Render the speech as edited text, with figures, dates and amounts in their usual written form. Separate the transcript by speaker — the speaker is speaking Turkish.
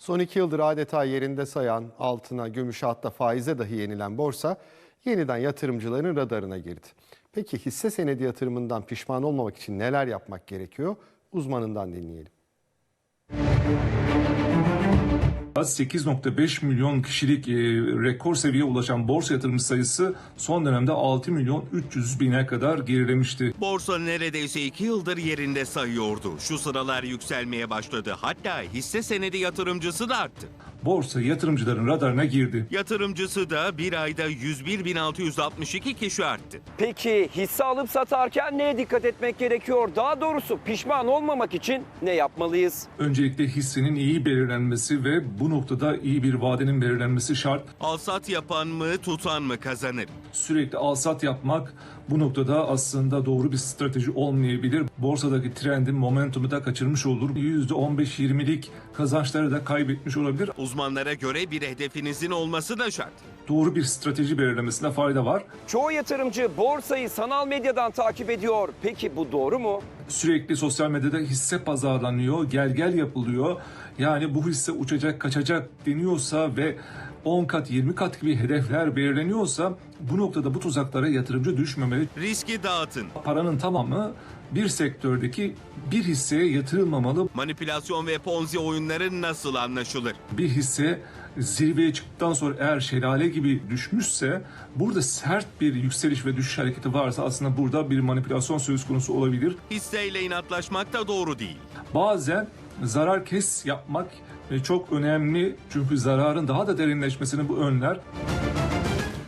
Speaker 1: Son 2 yıldır adeta yerinde sayan, altına, gümüşe hatta faize dahi yenilen borsa yeniden yatırımcıların radarına girdi. Peki hisse senedi yatırımından pişman olmamak için neler yapmak gerekiyor? Uzmanından dinleyelim.
Speaker 2: 8,5 milyon kişilik rekor seviyeye ulaşan borsa yatırımcı sayısı son dönemde 6 milyon 300 bine kadar gerilemişti.
Speaker 3: Borsa neredeyse 2 yıldır yerinde sayıyordu. Şu sıralar yükselmeye başladı. Hatta hisse senedi yatırımcısı da arttı.
Speaker 2: Borsa yatırımcıların radarına girdi.
Speaker 3: Yatırımcısı da bir ayda 101.662 kişi arttı.
Speaker 4: Peki hisse alıp satarken neye dikkat etmek gerekiyor? Daha doğrusu pişman olmamak için ne yapmalıyız?
Speaker 2: Öncelikle hissenin iyi belirlenmesi ve bu noktada iyi bir vadenin belirlenmesi şart.
Speaker 3: Al-sat yapan mı, tutan mı kazanır?
Speaker 2: Sürekli al-sat yapmak bu noktada aslında doğru bir strateji olmayabilir. Borsadaki trendin momentumu da kaçırmış olur. %15-20'lik kazançları da kaybetmiş olabilir.
Speaker 3: Uzmanlara göre bir hedefinizin olması da şart.
Speaker 2: Doğru bir strateji belirlemesine fayda var.
Speaker 4: Çoğu yatırımcı borsayı sanal medyadan takip ediyor. Peki bu doğru mu?
Speaker 2: Sürekli sosyal medyada hisse pazarlanıyor, gel yapılıyor. Yani bu hisse uçacak, kaçacak deniyorsa ve 10 kat, 20 kat gibi hedefler belirleniyorsa bu noktada bu tuzaklara yatırımcı düşmemeli.
Speaker 3: Riski dağıtın.
Speaker 2: Paranın tamamı bir sektördeki bir hisseye yatırılmamalı.
Speaker 3: Manipülasyon ve ponzi oyunları nasıl anlaşılır?
Speaker 2: Bir hisse zirveye çıktıktan sonra eğer şelale gibi düşmüşse burada sert bir yükseliş ve düşüş hareketi varsa aslında burada bir manipülasyon söz konusu olabilir.
Speaker 3: Hisseyle inatlaşmak da doğru değil.
Speaker 2: Bazen zarar kes yapmak çok önemli çünkü zararın daha da derinleşmesini bu önler.